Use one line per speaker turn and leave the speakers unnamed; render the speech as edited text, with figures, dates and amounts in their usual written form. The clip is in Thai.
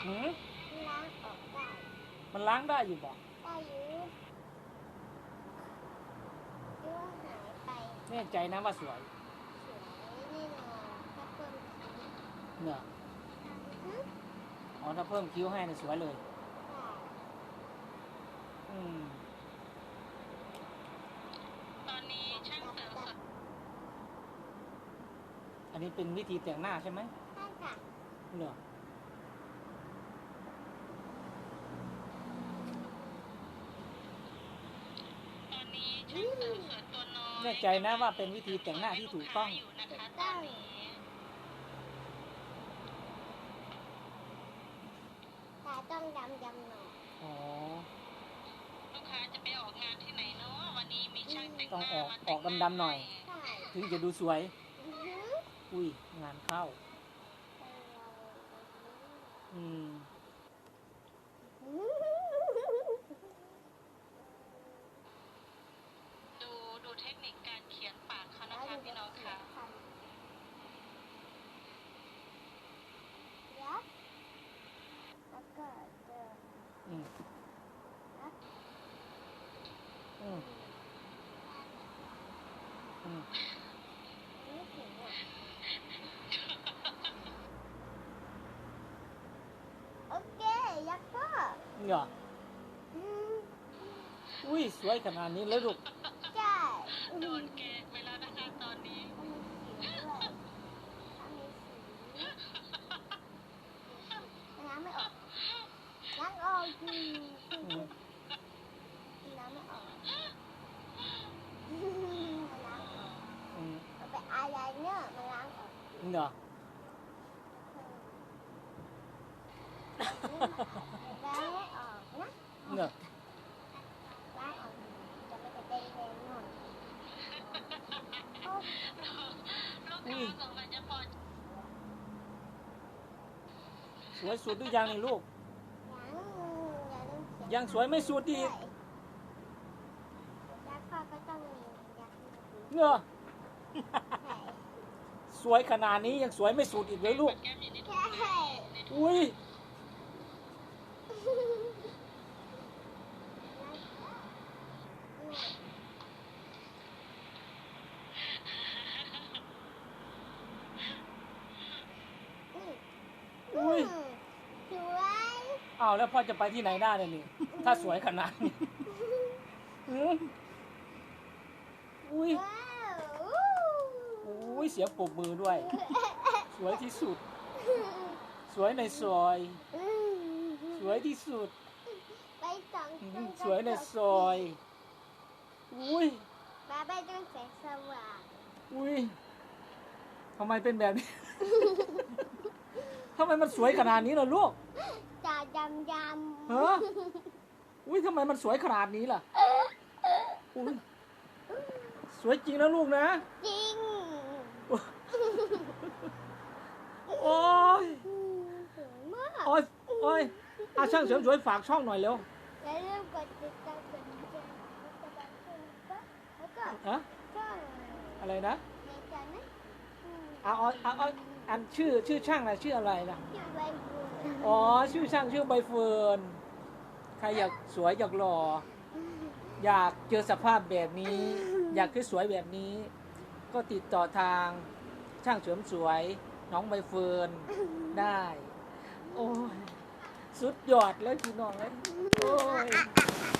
หืม
ล้างออกได้
มันล้างได้อยู่บอก
ได้อยู่ที่ว่าหายไป
แน่ใจนะว่าสวย
สวยแน่นอนถ้าเพิ่มคิ้ว
เนี่ย
ฮึ
อ๋อถ้าเพิ่มคิ้วให้เนี่ยสวยเลยอืม
ตอนนี้ช่างเสริมสวย
อันนี้เป็นวิธีแต่งหน้าใช่ไหม
ใช่ค่ะ
เนี่ย
ตอนนี้ช่างเสริมสวยตัวน้อย
แน่ใจนะว่าเป็นวิธีแต่งหน้าที่ถูกต้อง
อยู่นะคะตอนนี้
ตาต้องดำหน่อย
อ๋อ
ลูกค้าจะไปออกงานที่ไหนเนาะวันนี้มีช่างแต่งห
ต้อง
น้า
ออก
มา
อ
แต่
อง ก
หน้า
ดำๆหน่อย
ใช่
ถึงจะดูสวย
อือฮึ
อุ้ยงานเข้าอืม
ดูเทคนิคการเขียนปากเขานะคะพี่น้องค่ะ
แล้วก็เจอ
อืม
นะ
อืมอืม
ไม่ถึงอ่ะโอเคยักษ์ก็
เนี่ย
อืม
อุ้ยสวยขนาดนี้แล้วลูก
ใช่
โดนแกงไปแล้วนะคะตอนนี้
มันมีสีด้วยมันมีสีน้ำไม่ออกล้างออกอยู่
อืม
น้ำไม่ออกมันล้างออก
อืม
เอาไปอายไลเนอร์มันล้างออก
เนี่ย
ล้างไม่ออกนะ
เนี่ย
ล้างออกจะไม่ได้แดงหน่อยโอ้
ลูกค้าสงสัยจะพอ
สวยสุดหรือยังนี่ลูก
อย่าลืมเขียน
ยังสวยไม่สุด
ด้วย
อีก
ยักษ์พ่อก็ต้องมียักษ์
เนี่ย
ใช่
สวยขนาดนี้ยังสวยไม่สุดอีกเลยลูก
แก้มอยู่ในถุง
ใช่
อุ้ยอุ้ย
สวย
อ้าวแล้วพ่อจะไปที่ไหนได้เลยนี่ถ้าสวยขนาดนี้อืมอุ้ย
ว้าว
อุ้ยเสียงปรบมือด้วย สวยที่สุด สวยในซอย สวยที่สุด
ไปสอง
อื
ต้
ม
น
สวยในซอยอุ้ย
มาไปต้นแสงสว่าง
อุ้ยทำไมเป็นแบบนี้ ทำไมมันสวยขนาดนี้ล่ะลูก
ตาดำดำ
ฮะ อุ้ยทำไมมันสวยขนาดนี้ล่ะอุ้ยสวยจริงนะลูกนะ
จริง
โอ้ย
สวยมาก
โอ้ยโอ้ยอาช่างเสริมสวยฝากช่องหน่อยเร็ว
อย่าลืมกดติดตามกดแชร์แล้วก็
ฮะ
ช่อง
อะไรนะ
ในจานนะ
เอาอันชื่อช่างอะไรชื่ออะไรนะ
ชื่อใบบัว
อ๋อชื่อช่างชื่อใบเฟิร์นใครอยากสวยอยากหล่ออยากเจอสภาพแบบนี้ อยากสวยแบบนี้ ก็ติดต่อทางช่างเสริมสวยน้องใบเฟิร์นได้ โอ้ยสุดยอดเลยพี่น้องเลยโอ้ย